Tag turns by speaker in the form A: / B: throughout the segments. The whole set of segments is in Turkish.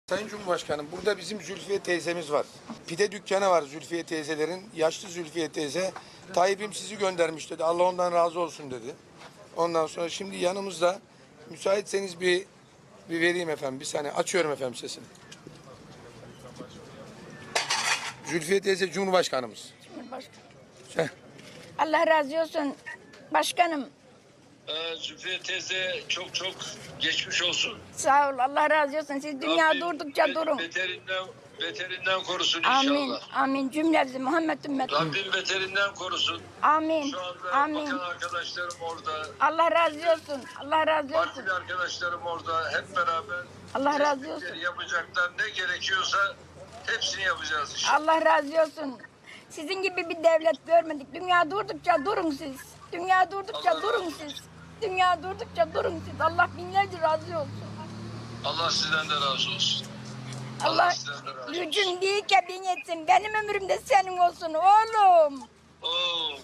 A: Sayın Cumhurbaşkanım, burada bizim Zülfiye teyzemiz var. Pide dükkanı var Zülfiye teyzelerin. Yaşlı Zülfiye teyze. Tayyip'im sizi göndermiş dedi. Allah ondan razı olsun dedi. Ondan sonra şimdi yanımızda, müsaitseniz bir vereyim efendim. Bir saniye açıyorum efendim sesini. Zülfiye teyze Cumhurbaşkanımız.
B: Başkanım. Allah razı olsun başkanım.
C: Zülfiye teyze çok geçmiş olsun.
B: Sağ ol, Allah razı olsun. Siz dünya
C: Rabbim
B: durdukça durun.
C: Beterinden korusun
B: Amin,
C: inşallah.
B: amin cümlemizi Muhammed ümmeti.
C: Rabbim beterinden korusun.
B: Amin,
C: Şu anda
B: amin.
C: bakan arkadaşlarım orada.
B: Allah razı olsun, Allah razı olsun.
C: Partili arkadaşlarım orada. Hep beraber
B: Allah razı olsun.
C: yapacaklar ne gerekiyorsa hepsini yapacağız inşallah.
B: Allah razı olsun. Sizin gibi bir devlet görmedik. Dünya durdukça durun siz. Dünya durdukça
C: Allah
B: durun
C: razı
B: siz.
C: olsun.
B: Dünya durdukça durun siz. Allah binlerce razı olsun.
C: Allah sizden de razı olsun.
B: Allah
C: sizden de razı olsun.
B: gücün değil ki bin etsin. Benim ömrüm de senin olsun oğlum.
C: Oh.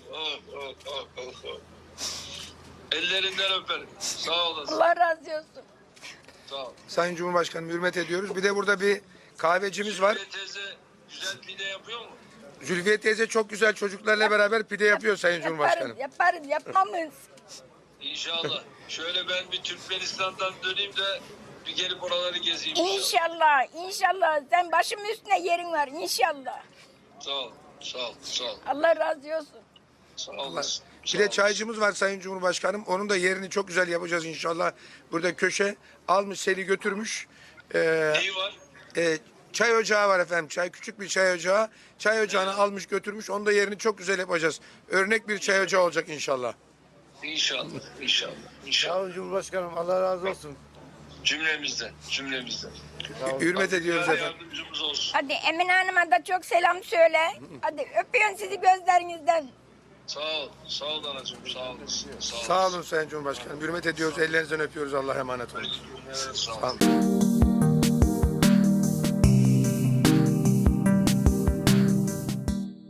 C: Ellerinden öperim. Sağ olasın.
B: Allah razı olsun.
C: Sağ ol.
A: Sayın Cumhurbaşkanım hürmet ediyoruz. Bir de burada bir kahvecimiz var.
C: Zülfiye teyze güzel pide yapıyor mu?
A: Zülfiye teyze çok güzel çocuklarla beraber pide yapıyor Sayın Cumhurbaşkanım.
B: Yaparız, yapmamız.
C: İnşallah. Şöyle ben bir Türkmenistan'dan döneyim de bir gelip oraları gezeyim inşallah.
B: İnşallah, inşallah. Sen başımın üstüne yerin var inşallah.
C: Sağ ol.
B: Allah razı olsun.
C: Sağ olasın.
A: Bir de çaycımız var Sayın Cumhurbaşkanım. Onun da yerini çok güzel yapacağız inşallah. Burada köşe almış seli götürmüş.
C: Neyi var?
A: Çay ocağı var efendim. Küçük bir çay ocağı. Çay ocağını almış götürmüş. Onun da yerini çok güzel yapacağız. Örnek bir çay ocağı olacak inşallah.
C: İnşallah.
D: Sağ olun Cumhurbaşkanım. Allah razı olsun.
C: Cümlemizden.
A: Hürmet ediyoruz
C: Allah
A: efendim.
C: yardımcımız olsun.
B: Hadi Emine Hanım'a da çok selam söyle. Hadi öpüyorum sizi gözlerinizden.
C: Sağ ol anacığım. Sağ olasın.
A: Sağ olun Sayın Cumhurbaşkanım. Hürmet ediyoruz. Ellerinizden öpüyoruz. Allah'a emanet olun.
C: Sağ ol.
A: Sağ olun.